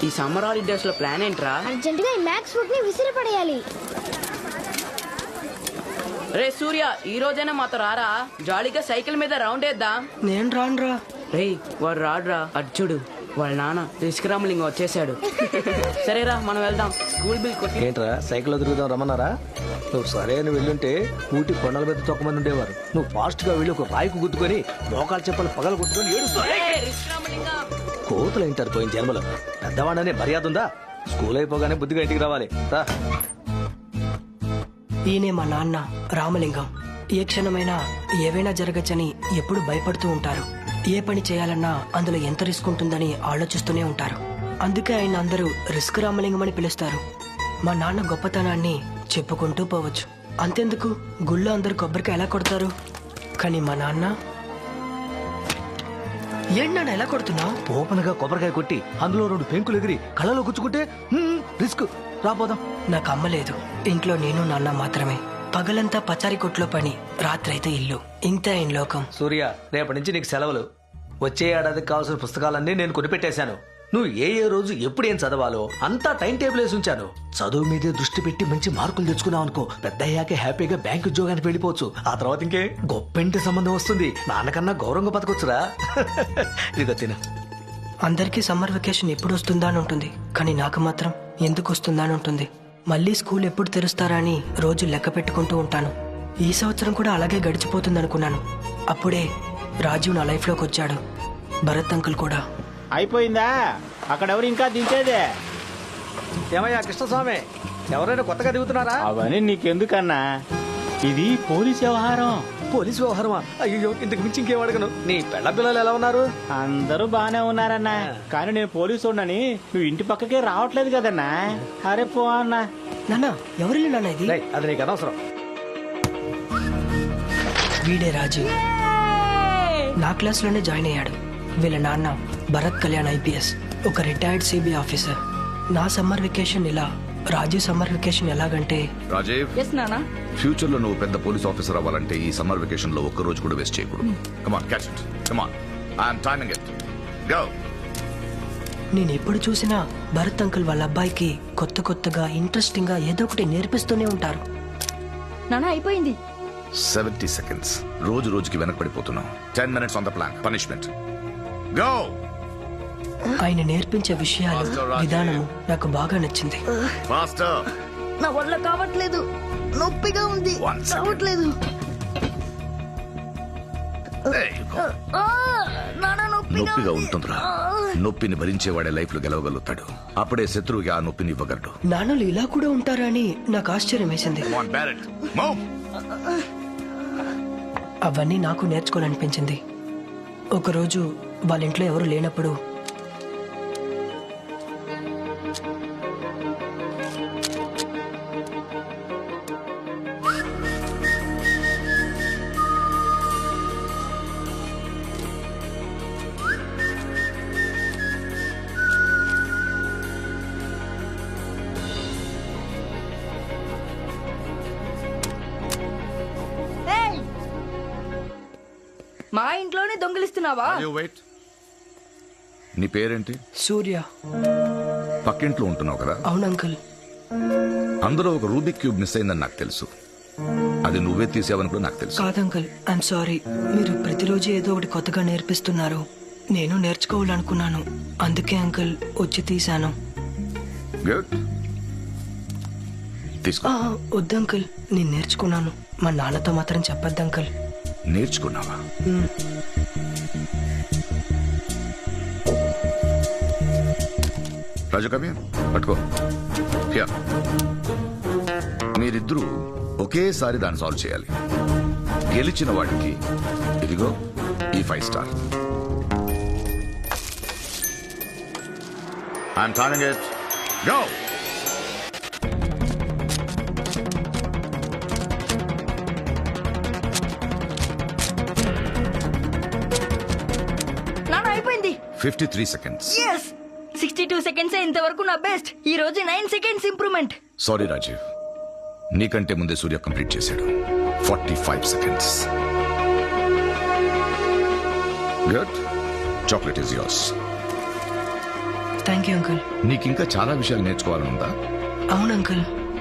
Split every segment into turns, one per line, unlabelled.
ఈ summer holidays లో plan ఏంట్రా?
అర్జెంట్ గా ఈ మ్యాక్స్ ఫుడ్ ని విసిరి పడేయాలి.
రే సూర్య, ఈ రోజైనా మాతో రారా, జాలీగా సైకిల్ మీద రౌండ్ వేద్దాం.
నేను రానురా.
రే వాడు రాడురా, అర్జుడు వాళ్ళ నాన్న రిస్కరామలింగం వచ్చేసాడు. సరేరా మనం వెళ్దాం. స్కూల్ బిల్ కొట్టి.
ఏంట్రా సైకిల్లో తిరుగుదాం రమ్మన్నారా? నువ్వు సరే అని వెళ్ళుంటే ఊటి కొండల మీద తొక్కమంది ఉండేవారు. నువ్వు ఫాస్ట్ గా వెళ్ళి ఒక రాయికు గుద్దుకొని మోకాలు చెప్పలు పగలు కొట్టుకొని కోతులు ఏంటారు పోయిన జన్మలో. పెద్దవాడనే మర్యాద ఉందా? స్కూల్ అయిపోగానే బుద్ధిగా ఇంటికి రావాలి.
ఈయనే మా నాన్న రామలింగం. ఏ క్షణమైనా ఏవైనా జరగచ్చని ఎప్పుడు భయపడుతూ ఉంటారు. ఏ పని చేయాలన్నా అందులో ఎంత రిస్క్ ఉంటుందని ఆలోచిస్తూనే ఉంటారు. అందుకే ఆయన అందరూ రిస్క్ రామలింగం అని పిలుస్తారు. మా నాన్న గొప్పతనాన్ని చెప్పుకుంటూ పోవచ్చు. అంతెందుకు, గుళ్ళో అందరు కొబ్బరికాయ ఎలా కొడతారు, కానీ మా నాన్న ఏంటి నాన్న ఎలా కొడుతున్నావు?
ఓపెన్గా కొబ్బరికాయ కొట్టి అందులో 2 పెంకులు ఎగిరి కళ్ళలో గుచ్చుకుంటే రిస్క్. రాపోదాం.
నాకు అమ్మ లేదు. ఇంట్లో నేను నాన్న మాత్రమే. పగలంతా పచారి కొట్లో పని, రాత్రైతే ఇల్లు. ఇంతే ఆయన లోకం.
సూర్య, రేపటి నుంచి నీకు సెలవులు. వచ్చే ఏడాదికి కావాల్సిన పుస్తకాలన్నీ నేను కొనిపెట్టేశాను. నువ్వు ఏ రోజు ఎప్పుడు ఏం చదవాలో అంతా టైం టేబుల్ వేసి ఉంచాను. చదువు మీదే దృష్టి పెట్టి మంచి మార్కులు తెచ్చుకున్నావు అనుకో, పెద్ద అయ్యాకే హ్యాపీగా బ్యాంక్ ఉద్యోగానికి వెళ్ళిపోవచ్చు. ఆ తర్వాత ఇంకే గొప్పింటి సంబంధం వస్తుంది. నాన్నకన్నా గౌరవంగా బతకొచ్చురా. ఇదిగో తిన.
అందరికీ సమ్మర్ వెకేషన్ ఎప్పుడు వస్తుందా అని ఉంటుంది, కానీ నాకు మాత్రం ఎందుకు వస్తుందా అని ఉంటుంది. మళ్ళీ స్కూల్ ఎప్పుడు తెరుస్తారా అని రోజు లెక్క పెట్టుకుంటూ ఉంటాను. ఈ సంవత్సరం కూడా అలాగే గడిచిపోతుంది అనుకున్నాను. అప్పుడే రాజీవ్ నా లైఫ్లోకి వచ్చాడు. భరత్ అంకుల్ కూడా.
అయిపోయిందా? అక్కడెవరు ఇంకా దించేదే?
ఏమయ్యా కృష్ణస్వామి, ఎవరైనా కొత్తగా దిగుతున్నారా?
అవన్నీ నీకెందుకన్నా, ఇది పోలీస్ వ్యవహారం.
పోలీసు వ్యవహారమా? అయ్యో, ఇంతకు మించి ఇంకేం అడగను. నీ పెళ్ళ పిల్లలు ఎలా ఉన్నారు?
అందరూ బానే ఉన్నారన్నా, కానీ నేను పోలీసు ఉన్నాని నువ్వు ఇంటి పక్కకే రావట్లేదు కదన్నా. అరే పో అన్నా.
నాన్న ఎవరిల్లు నాన్న ఇది?
అది నీకు అనవసరం.
వీడే రాజీవ్. నా క్లాస్లోనే జాయిన్ అయ్యాడు. వీళ్ళ నాన్న భరత్ కళ్యాణ్ ఐపీఎస్, ఒక రిటైర్డ్ సిబిఐ ఆఫీసర్. నా సమ్మర్ వెకేషన్ ఇలా, రాజీవ్ సమ్మర్ వెకేషన్ ఎలాగంటే.
రాజీవ్, ఫ్యూచర్ లో నువ్వు పెద్ద పోలీస్ ఆఫీసర్ అవ్వాలంటే ఈ సమ్మర్ వెకేషన్ లో ఒక్క రోజు కూడా వేస్ట్ చేయకూడదు. Come on, catch it. Come on, I am timing it. Go.
నేను ఎప్పుడు చూసినా భరత్ అంకుల్ వాళ్ళ అబ్బాయికి కొత్తగా ఇంట్రెస్టింగ్ గా ఏదో ఒకటి నేర్పిస్తూనే ఉంటారు.
నానా అయిపోయింది.
70 seconds. రోజు రోజుకి వెనకబడిపోతున్నావు. 10 minutes on the plan. Punishment. Go.
ఆయన నేర్పించే విషయాలు, విధానం నాకు బాగా నచ్చింది.
ఫాస్టర్.
నా వల్ల కావట్లేదు, నొప్పిగా ఉంది, కావట్లేదు.
నొప్పిగా ఉంటుందిరా. నొప్పిని భరించేవాడే లైఫ్ లో గెలవగలుగుతాడు. అప్పుడే శత్రువుకి ఆ నొప్పిని ఇవ్వగలడు.
నాన్నలు ఇలా కూడా ఉంటారా అని నాకు ఆశ్చర్యం వేసింది. అవన్నీ నాకు నేర్చుకోవాలనిపించింది. ఒకరోజు వాళ్ళ ఇంట్లో ఎవరు లేనప్పుడు
మా ఇంట్లోనే దొంగిలిస్తున్నావా?
నీ పేరేంటి?
సూర్య.
పక్కింట్లో ఉంటున్నావు కదా?
అవును అంకుల్.
అందులో ఒక రూబిక్ క్యూబ్ మిస్ అయిందని నాకు తెలుసు. అది నువ్వే తీసావని కూడా నాకు తెలుసు.
కాదు అంకుల్, ఐఎమ్ సారీ. మీరు ప్రతిరోజు ఏదో ఒకటి కొత్తగా నేర్పిస్తున్నారు. నేను నేర్చుకోవాలనుకున్నాను, అందుకే అంకుల్ వచ్చి తీశాను.
గుడ్. తీసుకో.
వద్దు అంకుల్, నేను నేర్చుకున్నాను. మా నాన్నతో మాత్రం చెప్పొద్దు అంకుల్.
నేర్చుకున్నావా? రాజు కవి పట్టుకో. మీరిద్దరూ ఒకేసారి దాన్ని సాల్వ్ చేయాలి. గెలిచిన వాడికి ఇదిగో ఈ 5 star. I'm timing it. Go.
నానా అయిపోయింది.
53 seconds.
62 seconds ఇంతవరకు నా బెస్ట్. ఈ రోజు 9 seconds ఇంప్రూవ్మెంట్.
సారీ రాజీవ్, నీకంటే ముందే సూర్య కంప్లీట్ చేశాడు. 45 seconds. Good. Chocolate is yours.
Thank you uncle.
నీకింకా చాలా విషయాలు నేర్చుకోవాలని ఉందా?
అవును అంకుల్.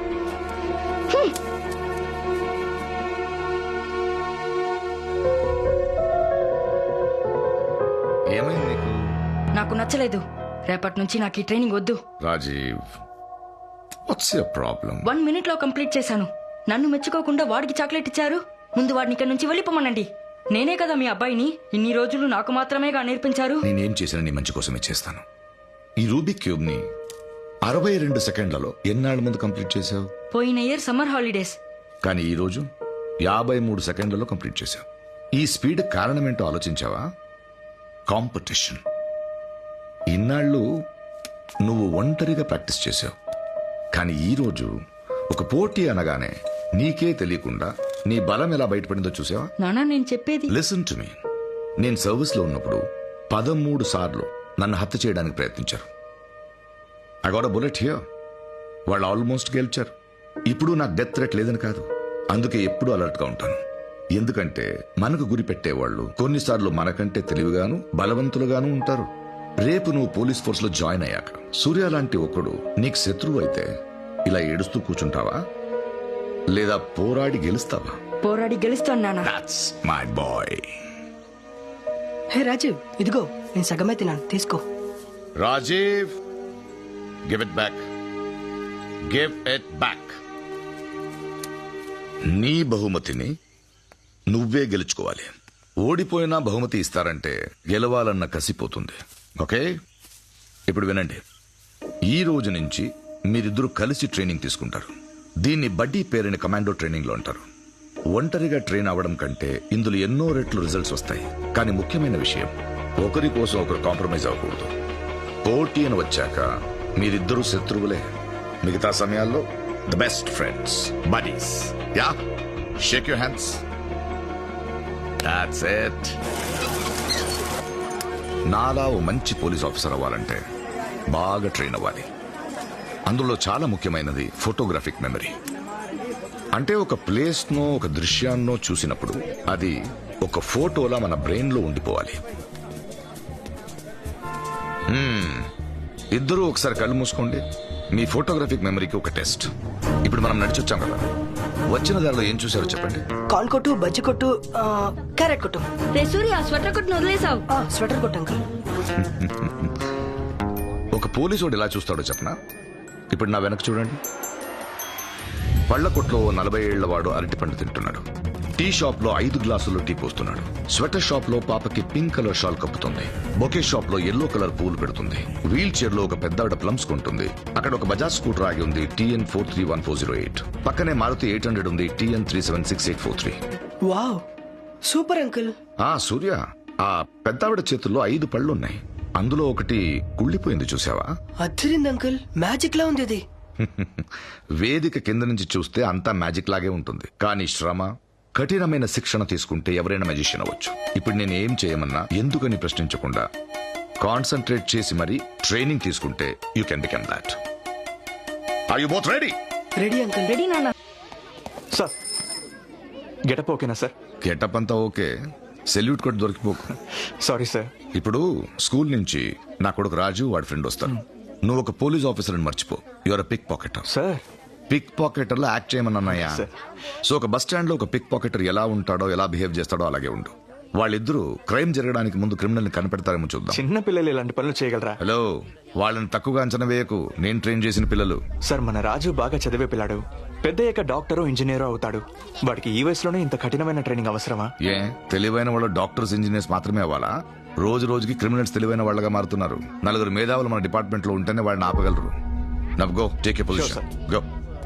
ఏమైంది నీకు?
నాకు నచ్చలేదు. రేపటి నుంచి నాకు ఈ ట్రైనింగ్ వద్దు.
Rajiv, what's your problem?
1 minute లో కంప్లీట్ చేశాను. నన్ను మెచ్చుకోకుండా వాడికి చాక్లెట్ ఇచ్చారు. ముందు వాడిని ఇక్కడ నుంచి వెళ్ళిపోమనండి. నేనే కదా మీ అబ్బాయిని. ఇన్ని రోజులు నాకు మాత్రమేగా నేర్పించారు.
నేనేం చేసినా నీ మంచి కోసమే చేస్తాను. ఈ రూబిక్ క్యూబ్ ని 62 సెకండ్లలో ఎన్నాళ్ళ ముందు కంప్లీట్ చేశావు?
పోయిన ఇయర్ సమ్మర్ హాలిడేస్.
కానీ ఈ రోజు 53 సెకండ్లలో కంప్లీట్ చేశావు. ఈ స్పీడ్ కారణమేంటో ఆలోచించావా? కాంపిటీషన్. ఇన్నాళ్ళు నువ్వు ఒంటరిగా ప్రాక్టీస్ చేశావు. కానీ ఈ రోజు ఒక పోటీ అనగానే నీకే తెలియకుండా నీ బలం ఎలా బయటపడిందో చూసావా?
నానా నేను చెప్పేది.
Listen to me. నేను సర్వీస్ లో ఉన్నప్పుడు 13 సార్లు నన్ను హత్య చేయడానికి ప్రయత్నించారు. I got a bullet here. వాళ్ళు ఆల్మోస్ట్ గెలిచారు. ఇప్పుడు నాకు డెత్ థ్రెట్ లేదని కాదు. అందుకే ఎప్పుడూ అలర్ట్ గా ఉంటాను. ఎందుకంటే మనకు గురి పెట్టేవాళ్ళు కొన్నిసార్లు మనకంటే తెలివిగాను బలవంతులుగాను ఉంటారు. రేపు నువ్వు పోలీస్ ఫోర్స్ లో జాయిన్ అయ్యాక సూర్య లాంటి ఒకడు నీకు శత్రువు అయితే ఇలా ఏడుస్తూ కూర్చుంటావా, లేదా పోరాడి గెలుస్తావా?
పోరాడి గెలుస్తాను నానా.
That's my boy.
హే రాజీవ్, ఇదిగో నేను సగమే తిన్నాను, తీసుకో.
Rajiv, give it back. Give it back. నీ బహుమతిని నువ్వే గెలుచుకోవాలి. ఓడిపోయినా బహుమతి ఇస్తారంటే గెలవాలన్న కసిపోతుంది. ఓకే, ఇప్పుడు వినండి. ఈ రోజు నుంచి మీరిద్దరూ కలిసి ట్రైనింగ్ తీసుకుంటారు. దీన్ని బడ్డీ పేరుని కమాండో ట్రైనింగ్ లో అంటారు. ఒంటరిగా ట్రైన్ అవ్వడం కంటే ఇందులో ఎన్నో రెట్లు రిజల్ట్స్ వస్తాయి. కానీ ముఖ్యమైన విషయం, ఒకరి కోసం ఒకరు కాంప్రమైజ్ అవ్వకూడదు. పోటీ అని వచ్చాక మీరిద్దరూ శత్రువులే. మిగతా సమయాల్లో the best friends, buddies. Yeah, shake your hands. That's it. నాలా ఓ మంచి పోలీస్ ఆఫీసర్ అవ్వాలంటే బాగా ట్రైన్ అవ్వాలి. అందులో చాలా ముఖ్యమైనది ఫోటోగ్రాఫిక్ మెమరీ. అంటే ఒక ప్లేస్నో ఒక దృశ్యాన్నో చూసినప్పుడు అది ఒక ఫోటోలా మన బ్రెయిన్ లో ఉండిపోవాలి. ఇద్దరూ ఒకసారి కళ్ళు మూసుకోండి. మీ ఫోటోగ్రాఫిక్ మెమరీకి ఒక టెస్ట్. ఇప్పుడు మనం నడిచొచ్చాం కదా, వచ్చిన దారిలో ఏం చూసారో చెప్పండి.
కార్న్ కొట్టు, బజ్జి కొట్టు, క్యారెట్ కొట్టు.
రే సూర్య, స్వెటర్ కొట్టును వదిలేసావు.
స్వెటర్ కొట్టు అంకుల్.
ఒక పోలీసు ఎలా చూస్తాడో చెప్పనా? ఇప్పుడు నా వెనక చూడండి. పళ్ల కొట్లో 40 ఏళ్ల వాడు అరటిపండు తింటున్నాడు. టీ షాప్ లో 5 గ్లాసుల్లో టీ పోస్తున్నాడు. స్వెటర్ షాప్ లో పాపకి పింక్ కలర్ షాల్ కప్పుతుంది. బొకే షాప్ లో ఎల్లో కలర్ పూలు పెడుతుంది. వీల్ చైర్ లో ఒక పెద్దావిడ ప్లమ్స్ కొంటుంది. అక్కడ ఒక బజాజ్ స్కూటర్ ఆగి ఉంది, TN 431408. పక్కనే మారుతి 800 ఉంది, TN 376843.
Wow, super uncle.
Surya, ఆ పెద్దావిడ చేతుల్లో 5 పళ్ళున్నాయి. అందులో ఒకటి కుళ్ళిపోయింది, చూసావా?
అదిరింది అంకుల్, మ్యాజిక్ లా ఉంది అది.
వేదిక కింద నుంచి చూస్తే అంతా మ్యాజిక్ లాగే ఉంటుంది. కానీ శ్రమ, కఠినమైన శిక్షణ తీసుకుంటే ఎవరైనా మ్యాజిషియన్ అవ్వచ్చు. ఇప్పుడు నేను ఏం చేయమన్నా ఎందుకని ప్రశ్నించకుండా కాన్సన్ట్రేట్ చేసి మరి ట్రైనింగ్ తీసుకుంటే you can become that. Are you both ready?
Ready uncle.
Ready నాన్న.
సార్, గెటప్ ఓకేనా సార్?
గెటప్ అంతా ఓకే, సెల్యూట్ కూడా దొరికిపోకు.
Sorry sir.
ఇప్పుడు స్కూల్ నుంచి నా కొడుకు రాజు, వాడి ఫ్రెండ్ వస్తారు. నువ్వు ఒక పోలీస్ ఆఫీసర్ అని మర్చిపో. Your pick pocketer.
Sir,
pick pocketer లో యాక్ట్ చేయమన్నాయా?
Sir.
సో ఒక బస్ స్టాండ్ లో ఒక పిక్ పాకెటర్ ఎలా ఉంటాడో, ఎలా బిహేవ్ చేస్తాడో అలాగే ఉండు. వాళ్ళిద్దరూ క్రైమ్ జరగడానికి ముందు క్రిమినల్ ని కనిపెడతారేమో చూద్దాం.
చిన్న పిల్లలు ఇలాంటి పనులు చేయగలరా?
హలో, వాళ్ళని తక్కువగా అంచనా వేయకు. నేను ట్రైన్ చేసిన పిల్లలు.
సార్, మన రాజు బాగా చదివే పిల్లాడు. పెద్దయ్యాక డాక్టరో ఇంజనీరో అవుతాడు. వాడికి ఈ వయసులోనే ఇంత కఠినమైన ట్రైనింగ్ అవసరమా?
ఏ, తెలివైన వాళ్ళు డాక్టర్స్, ఇంజనీర్స్ మాత్రమే అవ్వాలా? రోజు రోజుకి క్రిమినల్స్ తెలివైన వాళ్ళగా మారుతున్నారు. 4 మేధావులు మన డిపార్ట్మెంట్ లో ఉంటేనే వాళ్ళని ఆపగలరు. Now go, take a position. Go.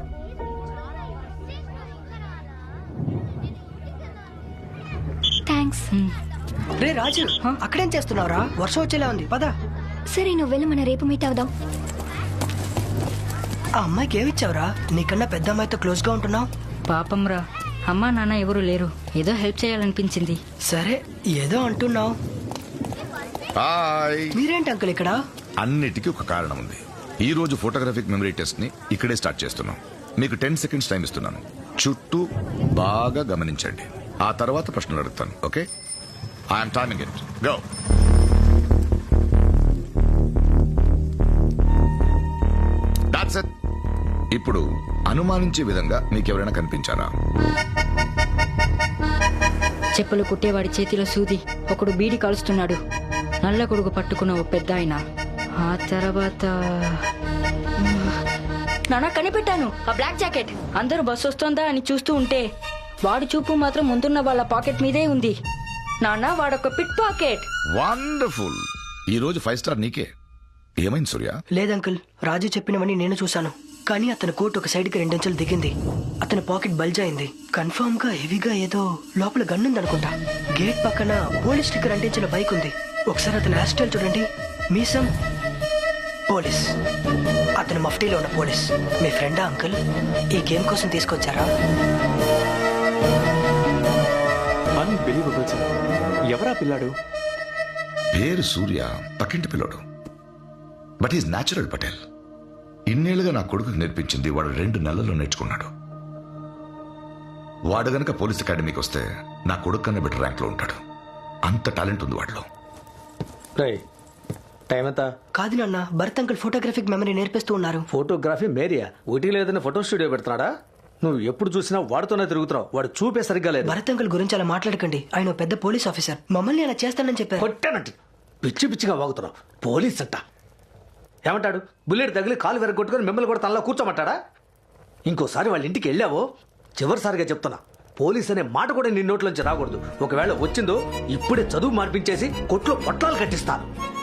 Thanks.
రే రాజు, అక్కడేం చేస్తున్నావురా? వర్షం వచ్చేలా ఉంది, పద.
సరే నువ్వు వెళ్ళి మన రేపు మీట్ అవుదాం.
ఆ అమ్మాయికి ఏమిచ్చావురా? నీకన్నా పెద్ద అమ్మాయితో క్లోజ్ గా ఉంటున్నావు.
పాపం రా, అమ్మా నాన్న ఎవరు లేరు. ఏదో హెల్ప్ చేయాలనిపించింది.
సరే, ఏదో అంటున్నావు.
హాయ్.
మీరేంటి అంకుల్ ఇక్కడ?
అన్నిటికీ ఒక కారణం ఉంది. ఈ రోజు ఫోటోగ్రాఫిక్ మెమరీ టెస్ట్ ని ఇక్కడే స్టార్ట్ చేస్తున్నాం. మీకు 10 seconds టైం ఇస్తున్నాను. చుట్టూ బాగా గమనించండి. ఆ తర్వాత ప్రశ్నలు అడుగుతాను. Okay, I'm timing it. Go. That's it. ఇప్పుడు అనుమానించే విధంగా మీకెవరైనా కనిపించారా?
చెప్పులు కుట్టేవాడి చేతిలో సూది, ఒకడు బీడి కాలుస్తున్నాడు, నల్ల కొడుకు పట్టుకున్న ఓ పెద్ద ఆయన. ఆ తర్వాత నానా కనిపెట్టాను, ఆ బ్లాక్ జాకెట్. అందరూ బస్సు వస్తోందా అని చూస్తూ ఉంటే వాడి చూపు మాత్రం ముందున్న వాళ్ళ పాకెట్ మీదే ఉంది. నాన్న వాడొక పిట్ పాకెట్.
వండర్ఫుల్. ఈ రోజు 5 స్టార్ నీకే. ఏమైంది సూర్య?
లేదంకుల్, రాజు చెప్పినవని నేను చూశాను. కానీ అతని కోట్ ఒక సైడ్ కి 2 అంచెలు దిగింది. అతని పాకెట్ బల్జ్ అయింది. కన్ఫర్మ్ గా హెవీగా ఏదో లోపల గన్నుందనుకుంటా. గేట్ పక్కన పోలీస్ స్టిక్కర్ అంటించిన బైక్ ఉంది. ఒకసారి అతని హెయిర్ స్టైల్ చూడండి. మీసం పోలీస్, అతను మఫ్టీలో ఉన్న పోలీస్. మీ ఫ్రెండా అంకుల్? ఈ గేమ్ కోసం తీసుకొచ్చారా?
Unbelievable sir. ఎవరా పిల్లాడు?
పేరు సూర్య, పక్కింటి పిల్లోడు. But is natural Patel. ఇన్నేళ్లుగా నా కొడుకుకి నేర్పించింది వాడు 2 నెలల్లో నేర్చుకున్నాడు. వాడు గనక పోలీస్ అకాడమీకి వస్తే నా కొడుకు కన్నా బెటర్ ర్యాంక్ లో ఉంటాడు. అంత టాలెంట్ ఉంది వాడిలో.
టైం ఎంత?
కాదు నాన్న, భరత్ అంకుల్ ఫోటోగ్రఫిక్ మెమరీ నేర్పిస్తూ ఉన్నారు.
ఫోటోగ్రఫీ మేరియా? ఒకటి లేదని ఫోటో స్టూడియో పెడుతున్నాడా? నువ్వు ఎప్పుడు చూసినా వాడితోనే తిరుగుతున్నావు. వాడు చూపే సరిగ్గా లేదు.
భరత్ అంకుల్ గురించి అలా మాట్లాడకండి. ఆయన ఓ పెద్ద పోలీస్ ఆఫీసర్. మమ్మల్ని అలా చేస్తానని చెప్పారు.
కొట్టానంటే పిచ్చి పిచ్చిగా వాగుతున్నావు. పోలీస్ అంట ఏమంటాడు? బుల్లెట్ తగిలి కాలు వెరగొట్టుకుని మిమ్మల్ని కూడా తనలో కూర్చోమంటాడా? ఇంకోసారి వాళ్ళ ఇంటికి వెళ్ళావో చివరిసారిగా చెప్తున్నా, పోలీస్ అనే మాట కూడా నీ నోట్లోంచి రాకూడదు. ఒకవేళ వచ్చిందో ఇప్పుడే చదువు మార్పించేసి కొట్లో పొట్లాలు కట్టిస్తాను.